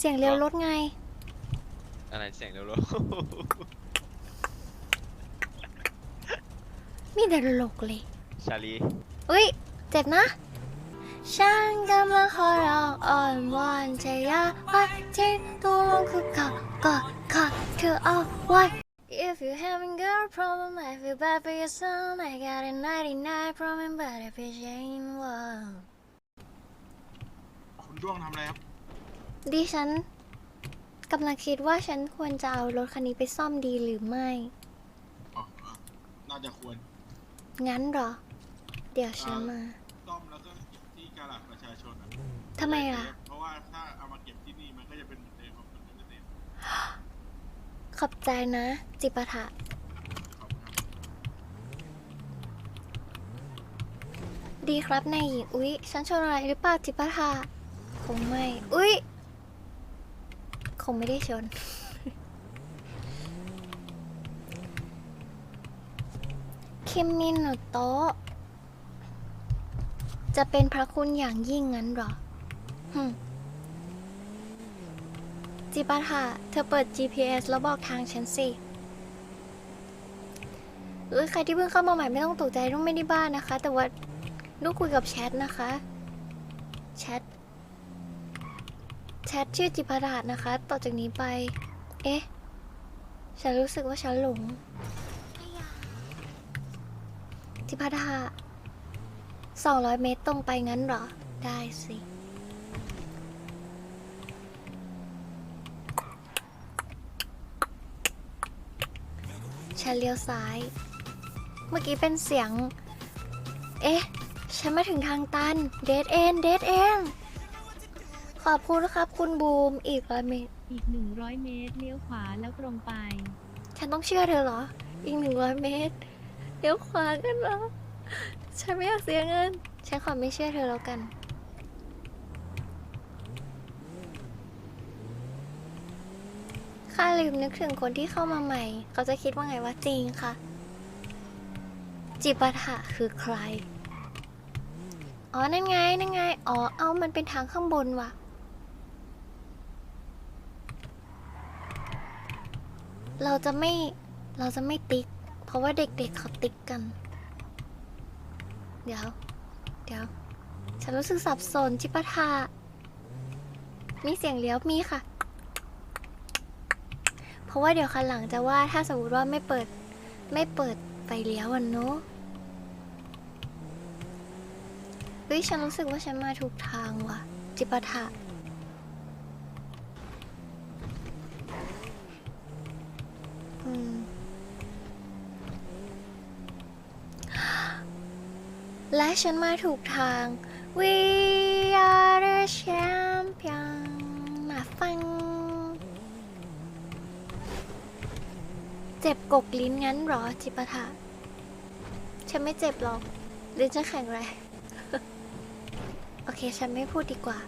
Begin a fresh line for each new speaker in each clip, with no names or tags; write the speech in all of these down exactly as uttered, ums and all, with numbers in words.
เสียงเลี้ยวรถไง
อะไรเสียงเร็ว
มีแต่หลกเลย
ๆชาลี
อุ้ยเจ็บนะฉันกำลังขอร้องอ่อนวอนจะอย่าไว้ทิ้งตัวลงคือก่อนก่อนก่อนเธอเอาไว้ If you having girl problem I feel bad for your son I got a ninety-nine problem but if it ain't one
คุณด้วงทำอะไรครับ
ดิฉันกำลังคิดว่าฉันควรจะเอารถคันนี้ไปซ่อมดีหรือไม่
อ๋อน่าจะควร
งั้นเหรอเดี๋ยวฉันมา
ซ่อมแล้วก็เก็บที่กาลาดประชาชน
ทำไมล่ะ
เพราะว่าถ้าเอามาเก็บที่นี่มันก็จะเป็นเหมือนเดิมครับมันจะเต็ม
ขอบใจนะจิปาถะดีครับนายหญิงอุ๊ยฉันชนอะไรหรือเปล่าจิปาถะคงไม่อุ๊ยคงไม่ได้ชนคิมมินโนโตะจะเป็นพระคุณอย่างยิ่งงั้นเหรอฮึจิปาถะเธอเปิด จี พี เอส แล้วบอกทางฉันสิเออใครที่เพิ่งเข้ามาใหม่ไม่ต้องตกใจลูกไม่ได้บ้านนะคะแต่ว่าลูกคุยกับแชทนะคะแชทแชทชื่อจิปาถะนะคะต่อจากนี้ไปเอ๊ะฉันรู้สึกว่าฉันหลงจิปาถะสองร้อยเมตรตรงไปงั้นเหรอได้สิฉันเลี้ยวซ้ายเมื่อกี้เป็นเสียงเอ๊ะฉันมาถึงทางตันเดดเอ็นเดดเอ็นขอบคุณครับคุณบูมอีกร้อยเมตร
อีกหนึ่งร้อยเมตรเลี้ยวขวาแล้วตรงไป
ฉันต้องเชื่อเธอเหรออีกหนึ่งร้อยเมตรเลี้ยวขวากันเหรอฉันไม่อยากเสียเงินฉันขอไม่เชื่อเธอแล้วกันข้าลืมนึกถึงคนที่เข้ามาใหม่เขาจะคิดว่าไงว่าจริงค่ะจิปาถะคือใครอ๋อนั่นไงนั่นไงอ๋อเอามันเป็นทางข้างบนว่ะเราจะไม่เราจะไม่ติ๊กเพราะว่าเด็กๆ เเขาติ๊กกันเดี๋ยวเดี๋ยวฉันรู้สึกสับสนจิปาถะมีเสียงเลี้ยวมีค่ะเพราะว่าเดี๋ยวคันหลังจะว่าถ้าสมมติว่าไม่เปิดไม่เปิดไฟเลี้ยวอ่ะเนาะเฮ้ยฉันรู้สึกว่าฉันมาถูกทางว่ะจิปาถะอืมและฉันมาถูกทาง We are the champion มาฟังเจ็บกกลิ้นงั้นหรอจิปาถะฉันไม่เจ็บหรอกลิ้นฉันแข็งแรง โอเคฉันไม่พูดดีกว่า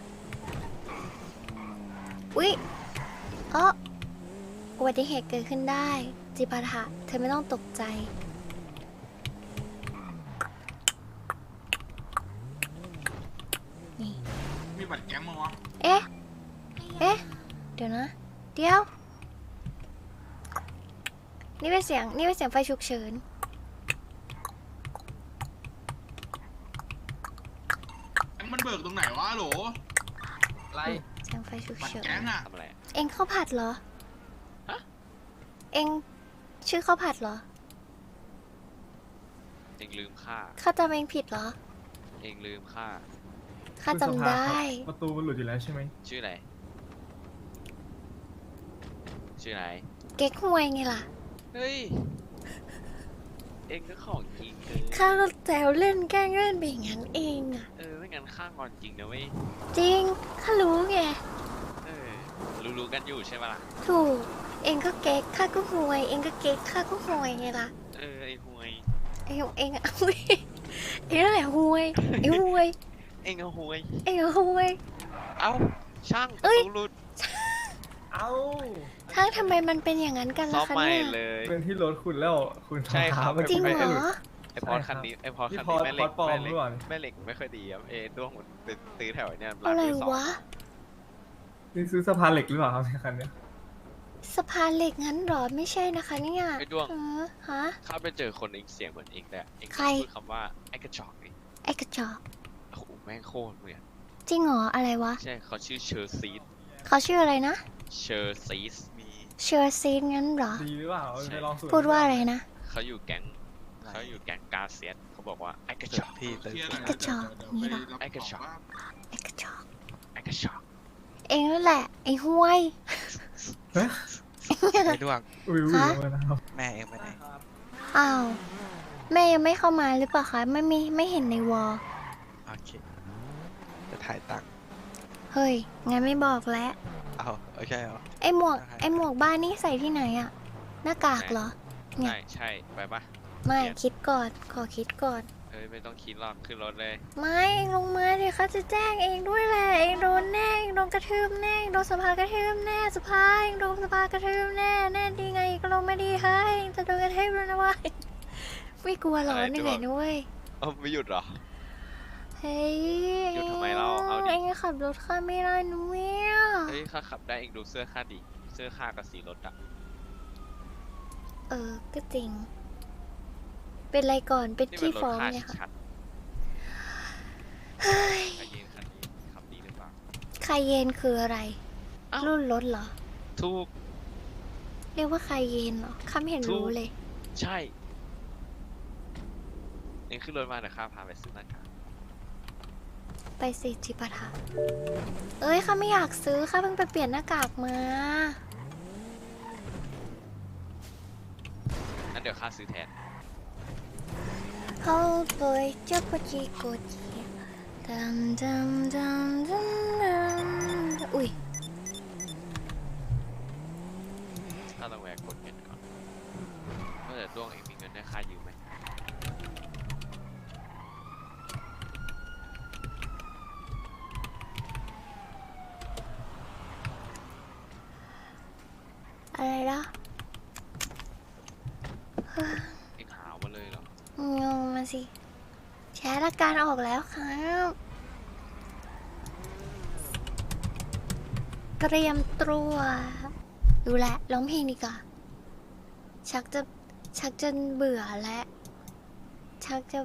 อุ๊ยอ๋ออุบัติเหตุเกิดขึ้นได้จิปาถะเธอไม่ต้องตกใจนี่
มีบัตรแก๊งมั้งวะ
เอ๊ะเอ๊ะเดี๋ยวนะเดี๋ยวนี่เป็นเสียงนี่เป็นเสียงไฟฉุกเฉิน
มันเบิกตรงไหนวะโหล
อะไร
เสียงไฟฉุกเฉิน
แก๊งอะ
ทำอะไร
เอ็งข้าวผัดเหรอ
ฮะ
เอ็งชื่อข้าวผัดเหรอ
เองลืมค่า
ข้าจำเอ็งผิดเหรอ
เองลืมค่า
ข้าจำได้
ประตูมันหลุดอยู่แล้วใช่ไหม
ชื่อไหนชื่อไหน
เก๊กฮวยไงล่ะ
เฮ้ยเองก็ของจริงเกิน
ข้าก็แซวเล่นแกล้งเล่นไปอย่างนั้นเองอะ
เออไม่งั้นข้างอนจริงนะเว้ย
จริงข้ารู้ไง
เออรู้ๆกันอยู่ใช่ไหมล่ะ
ถูกเองก็เก๊กข้าก็ฮวยเองก็เก๊กข้าก็ฮวยไงล่ะ
เออไอ้ห่วย
เองเองอะฮวยเองนั่นแหละฮวยไอ้ฮวย
เองก็ห่วย
เองก็ฮวย
เอ้าช่าง
เอ้ย
หลุด
เอ้า
ถ้าทำไมมันเป็นอย่างนั้นกันล่ะคะเนี่ย
เป็นที่รถคุณแล้วคุณ
ใช่ครับ
จริงเหรอ
ไอพอดคันนี้ไอพอดคันนี้แม่เหล็กแม่เหล็กแม่เหล็กไม่ค่อยดีครับเอด้วงมันเป็นซื้อแถวเนี่ยร้านมือสอง
นี่ซื้อสะพานเหล็กหรือเปล่าครับในคันเนี้ย
สะพานเหล็กงั้นเหรอไม่ใช่นะคะเนี่ย
ไอ้ด้วง
เออฮะ
ข้าไปเจอคนเองเสียงเหมือนเองแต่เอง
ใคร
พูดคำว่าไอ้กระจอกนี่
ไอ้กระจอก
โอ้โหแม่งโคตรเหมือน
จริงเหรออะไรวะ
ใช่เขาชื่อเชอร์ซีส
เขาชื่ออะไรนะ
เชอร์ซีสมี
เชอร์ซีนงั้นเหรอ
ดีหรือเปล่า
ใช่
ไปลองสูตร
พูดว่าอะไรนะ
เขาอยู่แก๊งเขาอยู่แก๊งกาเซียสเขาบอกว่าไอ้กระจอกพี่
เคลียร์หน่อย
กระจอกนี่เหรอ
ไอ้กระจอกว่า
ไอ้กระจอก
ไอ้กระจอก
เองนั่นแหละ ไอ้ห้วย
เฮ้ย
ไอ้ดวง
อุ้ยอุ้ย
ฮะ
เอามานะครับ
แม่เองไปไหน
อ้าวแม่ยังไม่เข้ามาหรือเปล่าคะไม่มีไม่เห็นในวอล
โอเค จะถ่ายตังค์
เฮ้ยงั้นไม่บอกแล้ว
เอาโอเคเหรอ
ไอ้หมวก
ได้
ไอ้หมวกบ้านนี่ใส่ที่ไหนอะหน้ากากเหรอ เนี่ย
ใช่ใช่ไปปะ
ไม่
เปลี่ยน
คิดก่อนขอคิดก่อน
เฮ้ยไม่ต้องคิดหรอกขึ้นรถเลย
ไม่เองลงมาดิเขาจะแจ้งเองด้วยแหละเองโดนแน่เองโดนกระทืบแน่เองโดนสภากระทืบแน่สภาเองโดนสภากระทืบแน่แน่ดีไงก็ลงไม่ดีเฮ้ยเองจะโดนกระทืบแล้วนะเวะไม่กลัวหรอ
อะไร
เหนื่
ตั
อยว นะเว้ย
เอ้าไม่หยุดเหรอ
เฮ้ย
หยุดทำไมเราเอาดิ
เองขับรถข้ามไม่ได้นุ้ย
เฮ้ยข้าขับได้เองดูเสื้อข้าดิเสื้อข้ากับสีรถอะ
เออก็จริง เป็นไรก่อนเป็น
นี่
ที่
เป็นรถ
ฟ้อง
ข้า
เนี่ยค่ะ
ชัด
เฮ้ย
ๆไอเย็นคันนี้ขับดีหรือเปล่า
คาเยนคืออะไร
อ้าว
รุ่นรถเหรอ
ถูก
เรียกว่าคาเยนเหรอข้าไม่เห็น
ถูก
รู้เลย
ใช่เองขึ้นรถมาเดี๋ยวข้าพาไปซื้อหน้ากาก
ไปสิจิปาถะเอ้ยข้าไม่อยากซื้อข้าเพิ่งไปเปลี่ยนหน้ากากมา
งั้นเดี๋ยวข้าซื้อแทน
เขาปล่อยเจ้าปจีโกจีดัมดัมดัมดัมดัมอุ้ย
ข้าต้องแวะกดเงินก่อนเมื่อแต่ด้วงเองมีเงินให้ข้ายืมไหม
อะไรล่ะ
เองหามาเลยเหรอ
งงมาสิแชร์ละการออกแล้วครับเตรียมตัวดูแลร้องเพลงดีกว่าชักจะชักจะเบื่อแล้วชักจะ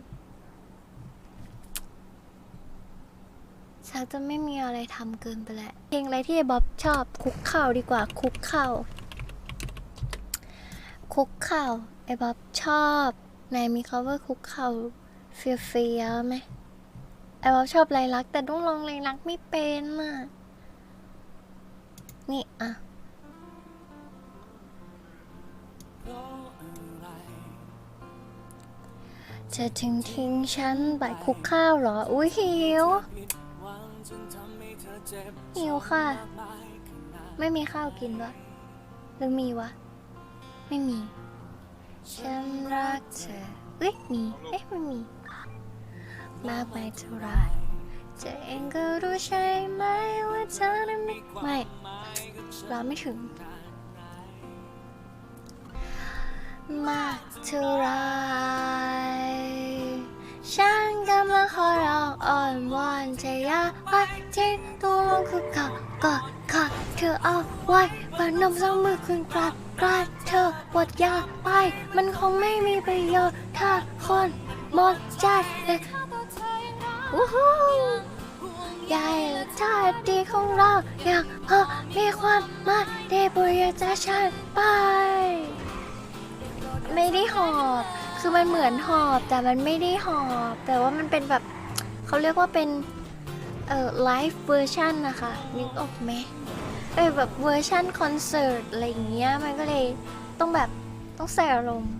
ชักจะไม่มีอะไรทำเกินไปแล้วเพลงอะไรที่ไอ้บ๊อบชอบคุกเข่าดีกว่าคุกเข่าคุกเข่าไอ้บ๊อบชอบไหนมีคำว่าคุกเข่าเฟียเฟียไหมไอ้บ๊อบชอบไรลักแต่ต้องลองไรลักไม่เป็นอ่ะนี่อ่ะจะทิ้งทิ้งฉันไปคุกข้าวเหรออุ้ยหิวหิวค่ะ ไม่มีข้าวกินวะหรือมีวะไม่มีฉันรักเธอเอ้ยมีเอ๊ะไม่มีมากไม่เท่าไรเธอเองก็รู้ใช่ไหมว่าเธอนั้นไม่ไม่เราไม่ถึงมากเท่าไรฉันกำลังขอร้องอ่อนวอนเธออย่าไปทิ้งตัวลงคือเขากอดขาเธอเอาไว้พนมสองมือขึ้นกราบกราดเธอปวดยาไปมันคงไม่มีประโยชน์ถ้าคนหมดใจเลยวู้ฮู้ใหญ่และท่าดีของเราอยากพอมีความหมายได้โปรดอย่าจากฉันไป ไม่ได้หอบ คือมันเหมือนหอบแต่มันไม่ได้หอบ แต่ว่ามันเป็นแบบเขาเรียกว่าเป็นเอ่อไลฟ์เวอร์ชันนะคะนึกออกไหมเออแบบเวอร์ชันคอนเสิร์ตอะไรอย่างเงี้ยมันก็เลยต้องแบบต้องใส่อารมณ์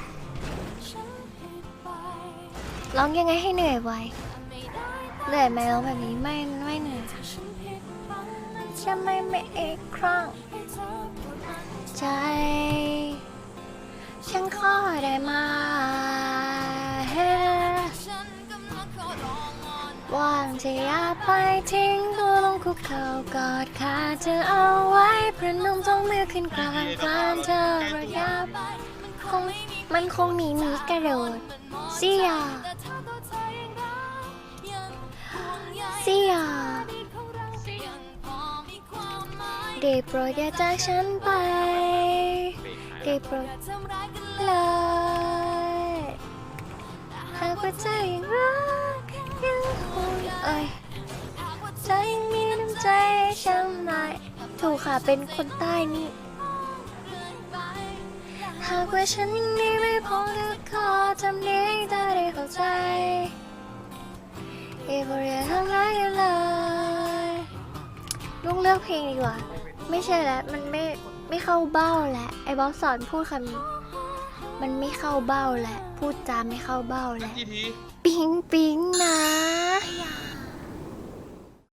ร้องยังไงให้เหนื่อยไวเหนื่อยไหมร้องแบบนี้ไม่ไม่เหนื่อยจะไม่ไม่อีกครั้งใจฉันขอได้ไหมว่างจะอย่าไปทิ้งตัวลงคุกเข่ากอดขาเธอเอาไว้ประนมสองมือขึ้นกลางกลางเธอระยะคงมันคงหนีหนีกระโดดเสียเสียได้โปรดอย่าจากฉันไป
เบรกหาย
ได้โปรดเลยหากว่าใจยังรักยังคงเอ้ยใจยังมีน้ำใจให้ฉันหน่อยถูกค่ะเป็นคนใต้นี่หากว่าฉันยังดีไม่พอก็ขอทำนี้ให้เธอได้เข้าใจอย่าโปรดอย่าทำร้ายกันเลยลุงเลือกเพลงดีกว่าไม่ใช่แล้วมันไม่ไม่เข้าเบ้าแล้วไอ้บอสสอนพูดคำมันไม่เข้าเบ้าแล้วพูดจาไม่เข้าเบ้าแล้ว
กี่ที
ปิ๊งปิ๊งนะ
อยาก